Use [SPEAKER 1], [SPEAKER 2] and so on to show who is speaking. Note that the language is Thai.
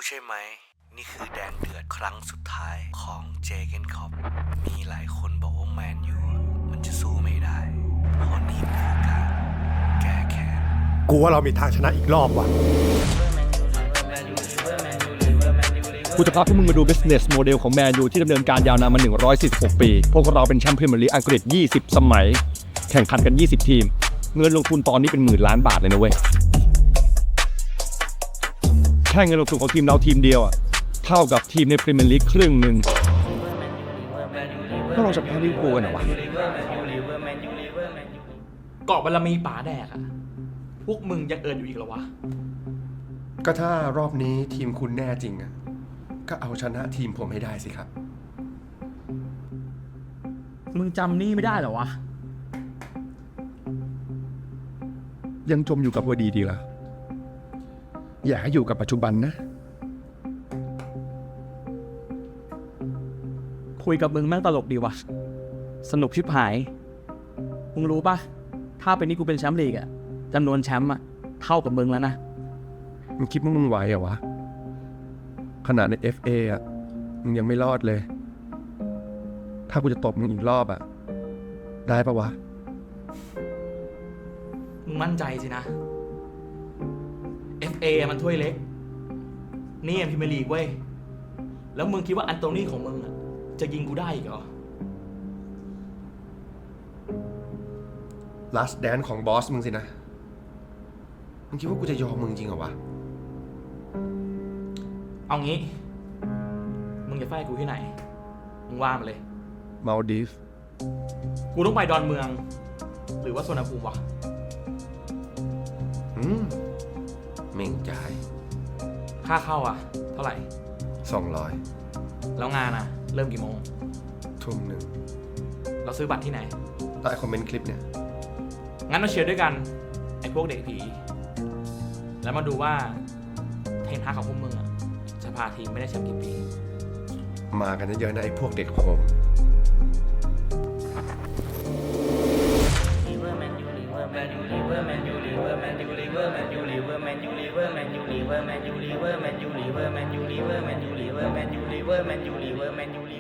[SPEAKER 1] ใช่ไหมนี่คือแดงเดือดครั้งสุดท้ายของเจเกนคอปมีหลายคนบอกว่าแมนยูมันจะสู้ไม่ได้เพราะนี่มันคือการแก้แค้น
[SPEAKER 2] กูว่าเรามีทางชนะอีกรอบว่ะ
[SPEAKER 3] กูจะพาพวกมึงมาดู business model ของแมนยูที่ดำเนินการยาวนานมา146 ปีพวกเราเป็นแชมป์พรีเมียร์ลีกอังกฤษ20 สมัยแข่งขันกัน20 ทีมเงินลงทุนตอนนี้เป็นหมื่นล้านบาทเลยนะเว้ยแค่เงินลงทุนของทีมเราทีมเดียวอะเท่ากับทีมในพรีเมียร์ลีกครึ่งหนึ่งพวกเราจะแพ้ลิเวอร์พูลกันเหรอวะ
[SPEAKER 4] เกาะบารมีป๋าแดกอะพวกมึงยังเอินอยู่อีกเหรอวะ
[SPEAKER 2] ก็ถ้ารอบนี้ทีมคุณแน่จริงอ่ะก็เอาชนะทีมผมให้ได้สิครับ
[SPEAKER 4] มึงจำนี่ไม่ได้เหรอวะ
[SPEAKER 3] ยังจมอยู่กับวัดีดีละอย่าให้อยู่กับปัจจุบันนะ
[SPEAKER 4] คุยกับมึงแม่งตลกดีวะสนุกชิบหายมึงรู้ปะถ้าเป็นนี่กูเป็นแชมป์ลีกอะจำนวนแชมป์อะเท่ากับมึงแล้วนะ
[SPEAKER 3] มึงคิดว่ามึงไหวเหรอวะขนาดใน FA อ่ะมึงยังไม่รอดเลยถ้ากูจะตบมึงอีกรอบอ่ะได้ปะวะ
[SPEAKER 4] มึงมั่นใจสินะ FA มันถ้วยเล็กนี่พรีเมียร์ลีกเว้ยแล้วมึงคิดว่าอันโตนี่ของมึงอะจะยิงกูได้อีกเหรอ
[SPEAKER 2] last dance ของบอสมึงสินะมึงคิดว่ากูจะยอมมึงจริงเหรอวะ
[SPEAKER 4] เอางี้มึงจะไฟกูที่ไหนมึงว่ามาเลย
[SPEAKER 3] มาลดีฟ
[SPEAKER 4] กูต้องไปดอนเมืองหรือว่าสวนภูมิวะ
[SPEAKER 2] เม่งจ่าย
[SPEAKER 4] ค่าเข้าอ่ะเท่าไหร่
[SPEAKER 2] 200
[SPEAKER 4] แล้วงานอ่ะเริ่มกี่โมง
[SPEAKER 2] ทุ่มหนึ่ง
[SPEAKER 4] เราซื้อบัตรที่ไหน
[SPEAKER 2] ใต้คอมเมนต์คลิปเนี่ย
[SPEAKER 4] งั้นมาเชียร์ด้วยกันไอ้พวกเด็กผีแล้วมาดูว่าเทนฮากของพวกมึงอ่ะจะพาทีมไม่ได้แชมป์กี่ปี
[SPEAKER 2] มากันเยอะๆนะไอ้พวกเด็กโหง
[SPEAKER 5] แมนยู